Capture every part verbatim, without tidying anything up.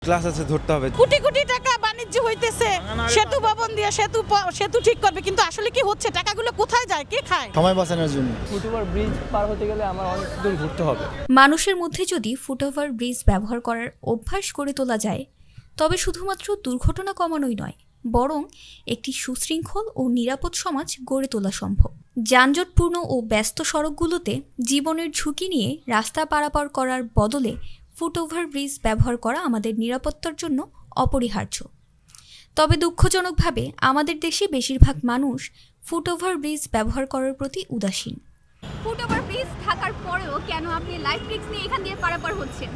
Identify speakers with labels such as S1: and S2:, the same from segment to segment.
S1: Class আছে, ধরতে হবে।
S2: কোটি কোটি টাকা বাণিজ্য হইতেছে, সেতু ভবন দিয়ে সেতু প- সেতু ঠিক করবে, কিন্তু আসলে কি হচ্ছে? টাকাগুলো কোথায় যায়, কে খায়?
S3: সময় বাঁচানোর জন্য।
S4: ফুটওভার ব্রিজ পার হতে গেলে আমার অনেক দূর ঘুরতে হবে।
S5: মানুষের মধ্যে যদি ফুটওভার ব্রিজ ব্যবহার করার অভ্যাস গড়ে তোলা যায়, তবে শুধুমাত্র দুর্ঘটনা কমানোই নয়, বরং একটি সুশৃঙ্খল ও নিরাপদ সমাজ গড়ে তোলা সম্ভব। যানজটপূর্ণ ও ব্যস্ত সড়কগুলোতে জীবনের ঝুঁকি নিয়ে রাস্তা পারাপার করার বদলে ফুটওভার ব্রিজ ব্যবহার করা আমাদের নিরাপত্তার জন্য অপরিহার্য। তবে দুঃখজনকভাবে আমাদের দেশে বেশিরভাগ মানুষ ফুটওভার ব্রিজ ব্যবহার করার প্রতি উদাসীন।
S6: ফুটওভার ব্রিজ থাকার পরেও কেন আপনি লাইফ রিস্ক নিয়ে এখান দিয়ে পারাপার হচ্ছেন?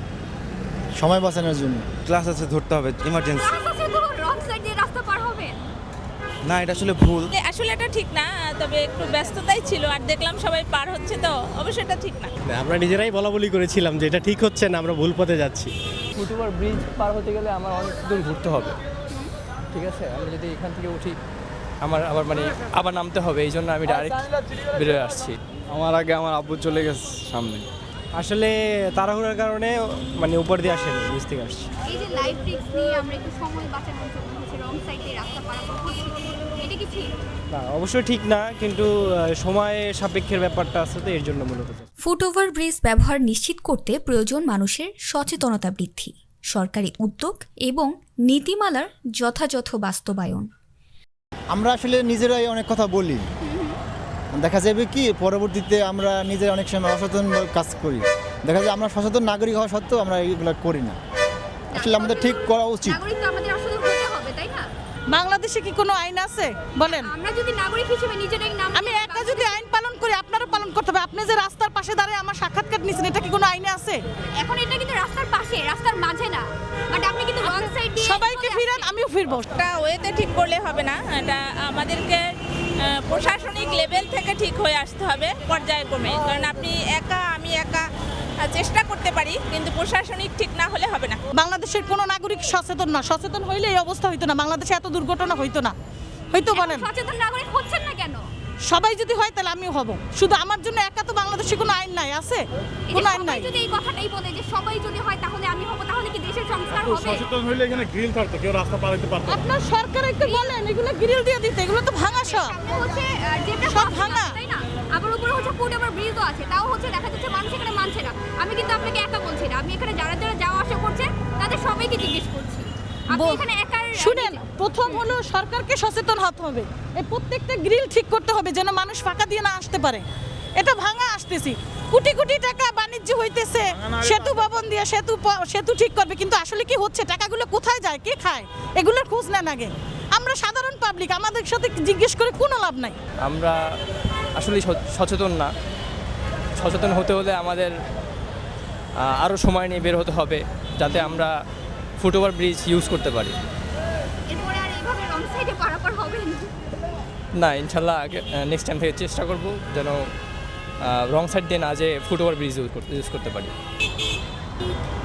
S3: সময় বাঁচানোর জন্য।
S1: ক্লাস আছে, ধরতে হবে, ইমার্জেন্সি।
S6: ক্লাস আছে তো রং সাইড দিয়ে রাস্তা পার হবেন।
S1: না, এটা আসলে ভুল।
S7: আসলে এটা ঠিক না, তবে একটু ব্যস্ততাই ছিল আর দেখলাম সবাই পার হচ্ছে, তো অবশ্যই এটা ঠিক না।
S8: আমরা নিজেরাই বলা বলি করেছিলাম যে এটা ঠিক হচ্ছে না, আমরা ভুল পথে যাচ্ছি।
S4: ফুটওভার ব্রিজ পার হতে গেলে আমার অনেক দূর ঘুরতে হবে, ঠিক আছে? আমি যদি এখান থেকে উঠি আমার আবার মানে আবার নামতে হবে, এই জন্য আমি ডাইরেক্ট বেরোয় আসছি।
S8: আমার আগে আমার আব্বু চলে গেছে সামনে। আসলে তাড়াহুড়ার কারণে মানে উপর দিয়ে আসেনি, নিচ থেকে আসছি।
S6: এই যে লাইফ রিস্ক নিয়ে আমরা একটু সময় বাঁচানোর জন্য হচ্ছে রং সাইড দিয়ে রাস্তা পারাপার করছি, এটা কি ঠিক?
S8: না, অবশ্যই ঠিক না, কিন্তু আহ, সময় সাপেক্ষের ব্যাপারটা আছে, তো এর জন্য মূলত।
S5: ফুটওভার ব্রিজ ব্যবহার নিশ্চিত করতে প্রয়োজন মানুষের সচেতনতা বৃদ্ধি, সরকারি উদ্যোগ এবং নীতিমালার যথাযথ বাস্তবায়ন।
S3: আমরা আসলে নিজেরাই অনেক কথা বলি, দেখা যাবে কি পরবর্তীতে আমরা নিজেরা অনেক সময় অসচেতন কাজ করি। দেখা যায় আমরা সচেতন নাগরিক হওয়া সত্ত্বেও আমরা এগুলো করি না। আসলে আমাদের ঠিক করা উচিত।
S6: নাগরিক তো আমাদের আসলে হতে হবে, তাই না?
S2: বাংলাদেশে কি কোনো আইন আছে বলেন?
S6: আমরা যদি নাগরিক হিসেবে নিজেরাই নাম
S2: আমি একা যদি আইন পালন করি, আপনারও পালন করতে হবে। আপনি যে রাস্তার পাশে দাঁড়িয়ে আমার সাক্ষাৎকার নিছেন, এটা কি কোনো আইনে আছে?
S6: এখন এটা কিন্তু রাস্তার পাশে, রাস্তার মাঝে না, বাট আপনি কিন্তু রং সাইড দিয়ে
S2: সবাইকে ফিরান, আমিও ফিরবো।
S7: এটা ওয়েতে ঠিক করলে হবে না, এটা আমাদেরকে আহ, প্রশাসনিক লেভেল থেকে ঠিক হয়ে আসতে হবে পর্যায়ক্রমে। কারণ আপনি একা, আমি একা আহ, চেষ্টা করতে পারি, কিন্তু প্রশাসনিক ঠিক না হলে হবে না।
S2: বাংলাদেশের কোনো নাগরিক সচেতন না, সচেতন হইলে এই অবস্থা হইতো না, বাংলাদেশে এত দুর্ঘটনা হইতো না। হয়তো
S6: এখন
S2: বলেন,
S6: সচেতন নাগরিক হচ্ছেন না কেন?
S2: সবাই যদি হয় তাহলে আমিও হব। শুধু আমার জন্য একা তো বাংলাদেশে কোনো আইন নাই, আছে
S6: এই যে
S2: কোনো আইন
S6: সবাই
S2: নাই।
S6: যদি এই কথাটাই বলে যে সবাই যদি হয় তাহলে আমি হব, তাহলে কি দেশের সংস্কার হবে?
S9: সচেতন হইলে এখানে গ্রিল থাকতো, কেউ রাস্তা পার হইতে পারতো না।
S2: আপনার সরকার একটু বলেন এগুলো গ্রিল দিয়ে দিতে, এগুলো তো ভাঙা সব।
S6: সামনে হচ্ছে আহ, যেটা
S2: সব
S6: পাবলিক
S2: ভাঙা।
S6: আছে, তাই না? আবার উপরে হচ্ছে ফুটওভার ব্রিজও আছে, তাও হচ্ছে দেখা যাচ্ছে মানুষ এখানে মানছে না। আমি কিন্তু আপনাকে একা বলছি না, আমি এখানে যারা যারা যাওয়া আসা করছে তাদের সবাইকে জিজ্ঞেস করছি। আপনি
S2: বল-
S6: এখানে একা
S2: শুনেন, প্রথম হলো সরকারকে সচেতন হতে হবে। এই প্রত্যেকটা গ্রিল ঠিক করতে হবে যেন মানুষ ফাঁকা দিয়ে না আসতে পারে। এটা ভাঙা আসতেছি, কোটি কোটি টাকা বাণিজ্য হইতেছে, সেতু ভবন দিয়ে সেতু প- সেতু ঠিক করবে, কিন্তু আসলে কি হচ্ছে? টাকাগুলো কোথায় যায়, কে খায়? এগুলোর খোঁজ নেন আগে। আমরা সাধারণ পাবলিক, আমাদের সাথে জিজ্ঞেস করে কোনো লাভ নাই।
S4: আমরা আসলে সচেতন না। সচেতন হতে হলে আমাদের আরও সময় নিয়ে বের হতে হবে, যাতে আমরা ফুটওভার ব্রিজ ইউজ করতে পারি।
S6: এরপরে আর এইভাবে রং সাইডে পারাপার হবেন?
S4: না, ইনশাল্লাহ নেক্সট টাইম থেকে চেষ্টা করব যেন রং সাইড দিয়ে না যে ফুটওভার ব্রিজ ইউজ করতে পারি।